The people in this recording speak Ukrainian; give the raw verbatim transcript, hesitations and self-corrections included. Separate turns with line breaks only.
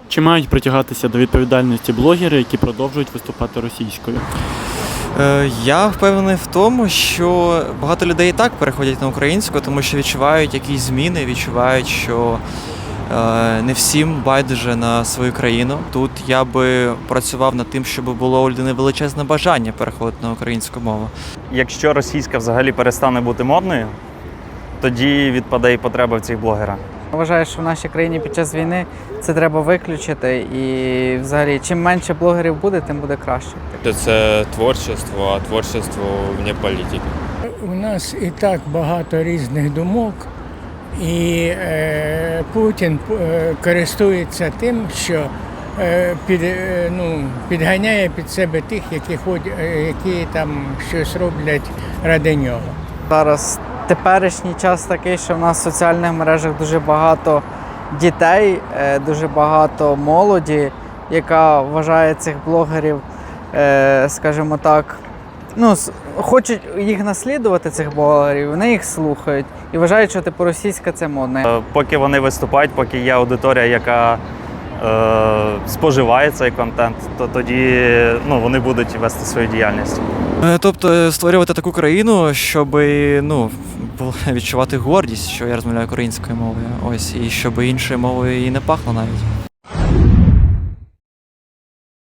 Чи мають притягатися до відповідальності блогери, які продовжують виступати російською?
Е, Я впевнений в тому, що багато людей і так переходять на українську, тому що відчувають якісь зміни, відчувають, що е, не всім байдуже на свою країну. Тут я би працював над тим, щоб було у людини величезне бажання переходити на українську мову.
Якщо російська взагалі перестане бути модною, тоді відпаде і потреба в цих блогерах.
Вважаю, що в нашій країні під час війни це треба виключити, і взагалі чим менше блогерів буде, тим буде краще.
Це творчество, а творчество вне політики.
У нас і так багато різних думок, і е, Путін е, користується тим, що е, під, е, ну, підганяє під себе тих, які, ходять, е, які там щось роблять ради нього.
Зараз теперішній час такий, що в нас в соціальних мережах дуже багато дітей, е, дуже багато молоді, яка вважає цих блогерів, е, скажімо так, ну, с- хочуть їх наслідувати, цих блогерів, вони їх слухають і вважають, що типу російська це модно.
Е, Поки вони виступають, поки є аудиторія, яка е, споживає цей контент, то тоді ну, вони будуть вести свою діяльність.
Е, Тобто е, створювати таку країну, щоб ну, було- відчувати гордість, що я розмовляю українською мовою, ось, і щоб іншою мовою і не пахло навіть.